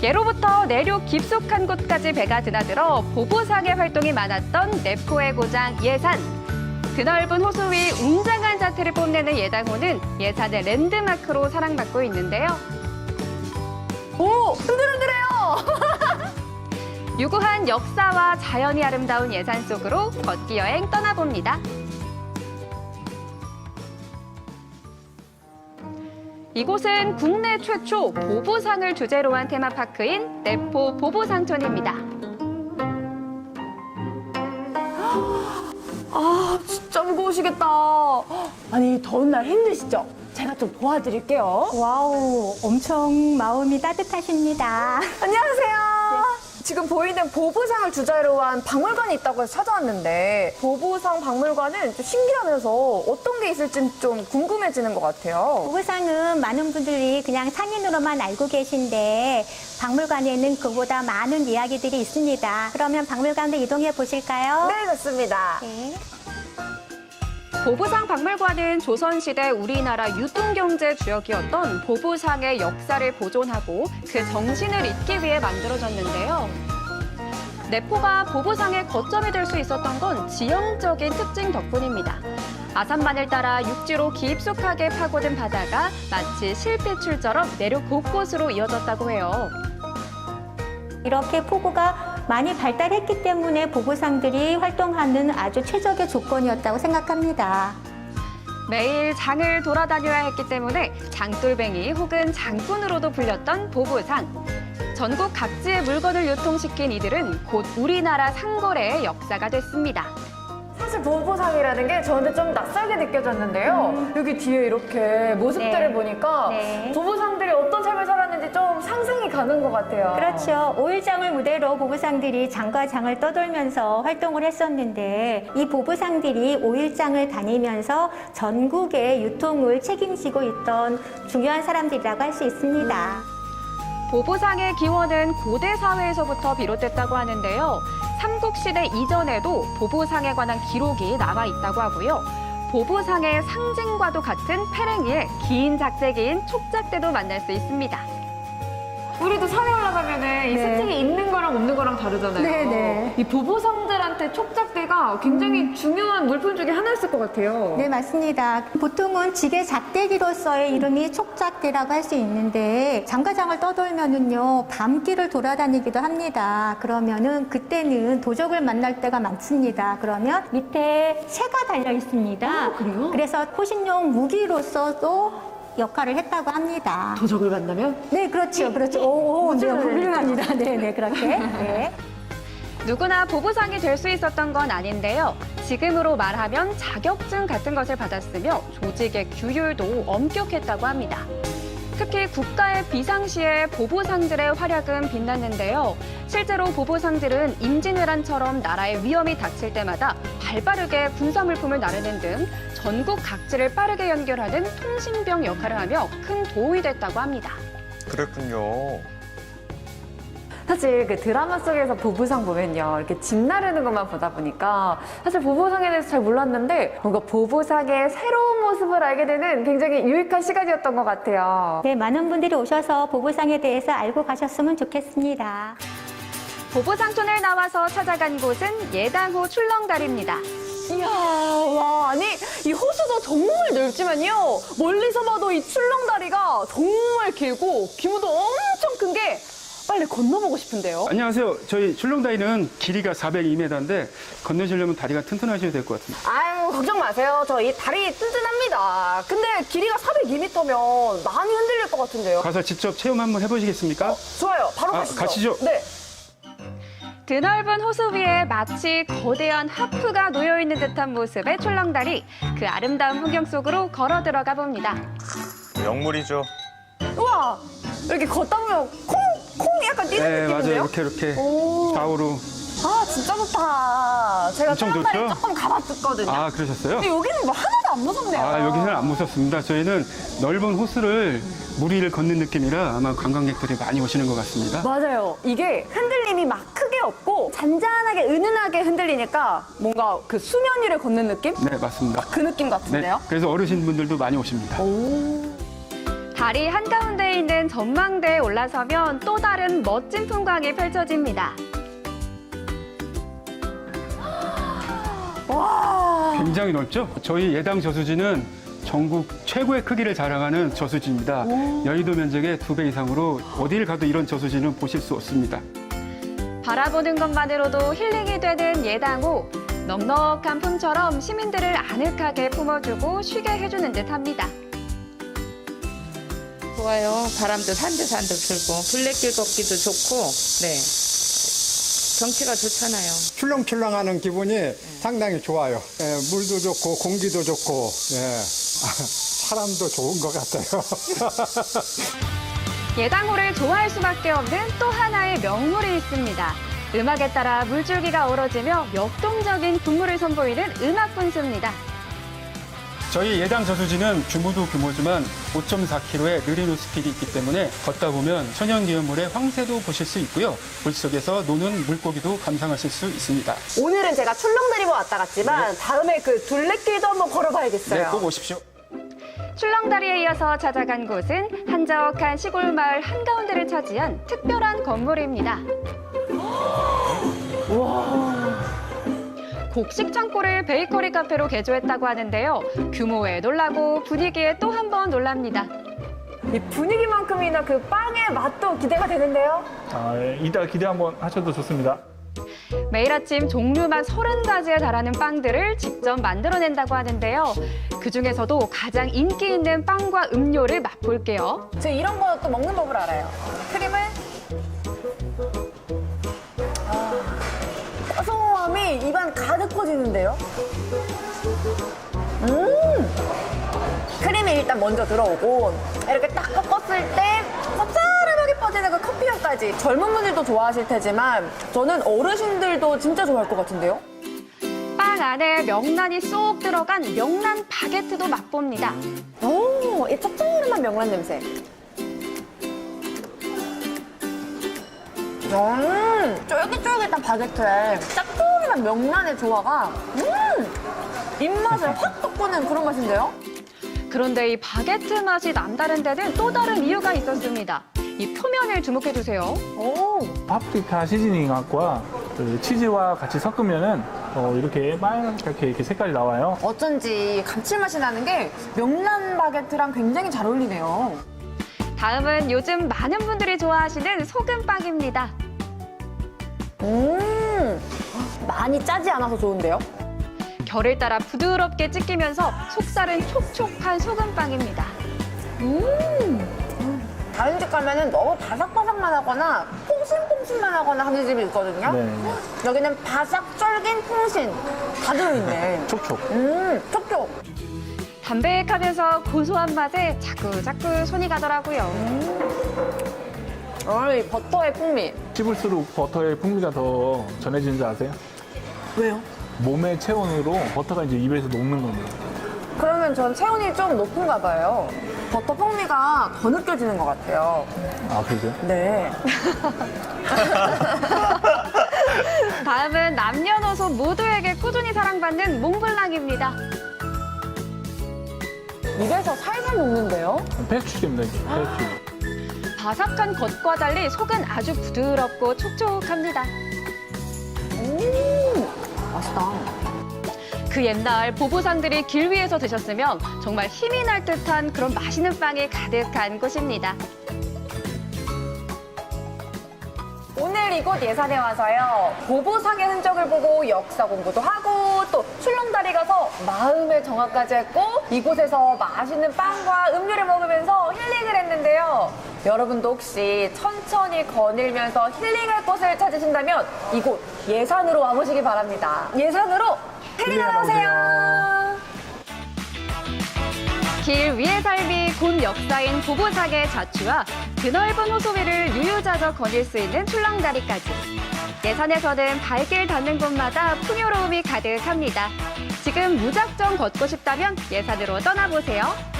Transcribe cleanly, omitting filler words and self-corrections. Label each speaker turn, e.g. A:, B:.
A: 예로부터 내륙 깊숙한 곳까지 배가 드나들어 보부상의 활동이 많았던 내포의 고장 예산. 드넓은 호수 위 웅장한 자태를 뽐내는 예당호는 예산의 랜드마크로 사랑받고 있는데요.
B: 오, 흔들흔들해요.
A: 유구한 역사와 자연이 아름다운 예산 속으로 걷기 여행 떠나봅니다. 이곳은 국내 최초 보부상을 주제로 한 테마파크인 내포 보부상촌입니다.
B: 아, 진짜 무거우시겠다. 아니, 더운 날 힘드시죠? 제가 좀 도와드릴게요.
C: 와우, 엄청 마음이 따뜻하십니다.
B: 안녕하세요. 지금 보이는 보부상을 주제로 한 박물관이 있다고 해서 찾아왔는데 보부상 박물관은 좀 신기하면서 어떤 게 있을지 좀 궁금해지는 것 같아요.
C: 보부상은 많은 분들이 그냥 상인으로만 알고 계신데 박물관에는 그보다 많은 이야기들이 있습니다. 그러면 박물관으로 이동해 보실까요?
B: 네, 좋습니다.
C: 네.
A: 보부상 박물관은 조선시대 우리나라 유통경제 주역이었던 보부상의 역사를 보존하고 그 정신을 잇기 위해 만들어졌는데요. 내포가 보부상의 거점이 될 수 있었던 건 지형적인 특징 덕분입니다. 아산만을 따라 육지로 깊숙하게 파고든 바다가 마치 실핏줄처럼 내륙 곳곳으로 이어졌다고 해요.
C: 이렇게 포구가 많이 발달했기 때문에 보부상들이 활동하는 아주 최적의 조건이었다고 생각합니다.
A: 매일 장을 돌아다녀야 했기 때문에 장돌뱅이 혹은 장꾼으로도 불렸던 보부상. 전국 각지의 물건을 유통시킨 이들은 곧 우리나라 상거래의 역사가 됐습니다.
B: 사실 보부상이라는 게 저한테 좀 낯설게 느껴졌는데요. 여기 뒤에 이렇게 모습들을
C: 네.
B: 보니까
C: 네.
B: 보부상들이 어떤 삶을 살았는지 좀 상상이 가는 것 같아요.
C: 그렇죠. 5일장을 무대로 보부상들이 장과 장을 떠돌면서 활동을 했었는데 이 보부상들이 5일장을 다니면서 전국의 유통을 책임지고 있던 중요한 사람들이라고 할 수 있습니다.
A: 보부상의 기원은 고대 사회에서부터 비롯됐다고 하는데요. 삼국시대 이전에도 보부상에 관한 기록이 남아 있다고 하고요. 보부상의 상징과도 같은 페랭이에 긴 작대기인 촉작대도 만날 수 있습니다.
B: 우리도 산에 올라가면은 이
C: 네.
B: 스틱이 있는 거랑 없는 거랑 다르잖아요.
C: 네.
B: 이 보부상들한테 촉작대가 굉장히 중요한 물품 중에 하나였을 것 같아요.
C: 네, 맞습니다. 보통은 지게 작대기로서의 이름이 촉작대라고 할 수 있는데 장과장을 떠돌면은요 밤길을 돌아다니기도 합니다. 그러면은 그때는 도적을 만날 때가 많습니다. 그러면 밑에 새가 달려 있습니다.
B: 그래요?
C: 그래서 호신용 무기로서도 역할을 했다고 합니다.
B: 도적을 만나면?
C: 네, 그렇죠. 그렇죠. 오, 네, 훌륭합니다. 네, 네, 그렇게. 네.
A: 누구나 보부상이 될 수 있었던 건 아닌데요. 지금으로 말하면 자격증 같은 것을 받았으며 조직의 규율도 엄격했다고 합니다. 특히 국가의 비상시에 보부상들의 활약은 빛났는데요. 실제로 보부상들은 임진왜란처럼 나라의 위험이 닥칠 때마다 발빠르게 군사물품을 나르는 등 전국 각지를 빠르게 연결하는 통신병 역할을 하며 큰 도움이 됐다고 합니다.
D: 그랬군요.
B: 사실 그 드라마 속에서 보부상 보면요. 이렇게 집 나르는 것만 보다 보니까 사실 보부상에 대해서 잘 몰랐는데 뭔가 보부상의 새로운 모습을 알게 되는 굉장히 유익한 시간이었던 것 같아요.
C: 네, 많은 분들이 오셔서 보부상에 대해서 알고 가셨으면 좋겠습니다.
A: 보부상촌을 나와서 찾아간 곳은 예당호 출렁다리입니다.
B: 이야, 와, 아니, 이 호수도 정말 넓지만요. 멀리서 봐도 이 출렁다리가 정말 길고 규모도 엄청 큰 게 빨리 건너보고 싶은데요.
E: 안녕하세요. 저희 출렁다리는 길이가 402m인데 건너시려면 다리가 튼튼하셔야 될 것 같습니다.
B: 아유, 걱정 마세요. 저 이 다리 튼튼합니다. 근데 길이가 402m면 많이 흔들릴 것 같은데요.
E: 가서 직접 체험 한번 해보시겠습니까?
B: 좋아요. 바로 가시죠.
E: 가시죠.
B: 네.
A: 드넓은 호수 위에 마치 거대한 하프가 놓여있는 듯한 모습의 출렁다리. 그 아름다운 풍경 속으로 걸어 들어가 봅니다.
D: 영물이죠.
B: 우와, 이렇게 걷다 보면 콩이 약간 뛰는
E: 네,
B: 느낌인데요?
E: 맞아요. 이렇게
B: 오.
E: 좌우로.
B: 아, 진짜 좋다. 제가
E: 엄청
B: 출렁다리
E: 좋죠?
B: 조금 가봤었거든요.
E: 아, 그러셨어요?
B: 근데 여기는 뭐 하나도 안 무섭네요.
E: 아, 여기는 안 무섭습니다. 저희는 넓은 호수를 물 위를 걷는 느낌이라 아마 관광객들이 많이 오시는 것 같습니다.
B: 맞아요. 이게 흔들림이 막 크게 없고 잔잔하게 은은하게 흔들리니까 뭔가 그 수면 위를 걷는 느낌?
E: 네, 맞습니다.
B: 그 느낌
E: 네,
B: 같은데요?
E: 그래서 어르신분들도 많이 오십니다.
A: 다리 한가운데에 있는 전망대에 올라서면 또 다른 멋진 풍광이 펼쳐집니다.
E: 굉장히 넓죠? 저희 예당 저수지는 전국 최고의 크기를 자랑하는 저수지입니다. 여의도 면적의 2배 이상으로 어딜 가도 이런 저수지는 보실 수 없습니다.
A: 바라보는 것만으로도 힐링이 되는 예당호. 넉넉한 품처럼 시민들을 아늑하게 품어주고 쉬게 해주는 듯합니다.
F: 좋아요. 바람도 산들산들 불고 둘레길 걷기도 좋고, 네. 경치가 좋잖아요.
G: 출렁출렁하는 기분이 상당히 좋아요. 예, 물도 좋고 공기도 좋고 예. 사람도 좋은 것 같아요.
A: 예당호를 좋아할 수밖에 없는 또 하나의 명물이 있습니다. 음악에 따라 물줄기가 얼어지며 역동적인 분물을 선보이는 음악 분수입니다.
E: 저희 예당 저수지는 규모도 규모지만 5.4km의 느린 호스길이 있기 때문에 걷다 보면 천연기념물의 황새도 보실 수 있고요. 물속에서 노는 물고기도 감상하실 수 있습니다.
B: 오늘은 제가 출렁다리만 왔다 갔지만 다음에 그 둘레길도 한번 걸어봐야겠어요.
E: 네, 꼭 오십시오.
A: 출렁다리에 이어서 찾아간 곳은 한적한 시골 마을 한가운데를 차지한 특별한 건물입니다. 곡식 창고를 베이커리 카페로 개조했다고 하는데요. 규모에 놀라고 분위기에 또 한 번 놀랍니다.
B: 이 분위기만큼이나 그 빵의 맛도 기대가 되는데요.
H: 이따 기대 한번 하셔도 좋습니다.
A: 매일 아침 종류만 30가지에 달하는 빵들을 직접 만들어낸다고 하는데요. 그중에서도 가장 인기 있는 빵과 음료를 맛볼게요.
B: 저 이런 거 또 먹는 법을 알아요. 크림을 고소함이 입안 가득 퍼지는데요. 크림이 일단 먼저 들어오고 이렇게 딱 꺾었을 때 쌉싸름하게 퍼지는 그 커피 향까지. 젊은 분들도 좋아하실 테지만 저는 어르신들도 진짜 좋아할 것 같은데요.
A: 빵 안에 명란이 쏙 들어간 명란 바게트도 맛봅니다.
B: 오, 이 짭조름한 명란 냄새. 쫄깃쫄깃한 바게트에 짭조름한 명란의 조화가 입맛을 확 돋구는 그런 맛인데요?
A: 그런데 이 바게트 맛이 남다른 데는 또 다른 이유가 있었습니다. 이 표면을 주목해주세요.
B: 오,
H: 파프리카 시즈닝과 그 치즈와 같이 섞으면은 이렇게 빨갛게 이렇게 색깔이 나와요.
B: 어쩐지 감칠맛이 나는 게 명란 바게트랑 굉장히 잘 어울리네요.
A: 다음은 요즘 많은 분들이 좋아하시는 소금빵입니다.
B: 많이 짜지 않아서 좋은데요?
A: 결을 따라 부드럽게 찢기면서 속살은 촉촉한 소금빵입니다.
B: 다른 집 가면은 너무 바삭바삭만 하거나 퐁신퐁신만 하거나 하는 집이 있거든요.
H: 네.
B: 여기는 바삭, 쫄긴, 퐁신 다 들어있네.
H: 촉촉.
B: 촉촉.
A: 담백하면서 고소한 맛에 자꾸자꾸 손이 가더라고요.
B: 이 버터의 풍미.
H: 씹을수록 버터의 풍미가 더 전해지는 줄 아세요?
B: 왜요?
H: 몸의 체온으로 버터가 이제 입에서 녹는 겁니다.
B: 그러면 전 체온이 좀 높은가 봐요. 버터 풍미가 더 느껴지는 것 같아요.
H: 아, 그러세요?
B: 네.
A: 다음은 남녀노소 모두에게 꾸준히 사랑받는 몽블랑입니다.
B: 입에서 살살 녹는데요?
H: 패스트리입니다, 이게. 패스트리.
A: 바삭한 겉과 달리 속은 아주 부드럽고 촉촉합니다.
B: 맛있다.
A: 그 옛날 보부상들이 길 위에서 드셨으면 정말 힘이 날 듯한 그런 맛있는 빵이 가득한 곳입니다.
B: 오늘 이곳 예산에 와서요. 보부상의 흔적을 보고 역사 공부도 하고 또 출렁다리 가서 마음의 정화까지 했고 이곳에서 맛있는 빵과 음료를 먹으면서 힐링을 했는데요. 여러분도 혹시 천천히 거닐면서 힐링할 곳을 찾으신다면 이곳 예산으로 와보시기 바랍니다. 예산으로 힐링하러 오세요.
A: 길 위의 삶이 곧 역사인 보부상의 자취와 드넓은 호수 위를 유유자적 거닐 수 있는 출렁다리까지. 예산에서는 발길 닿는 곳마다 풍요로움이 가득합니다. 지금 무작정 걷고 싶다면 예산으로 떠나보세요.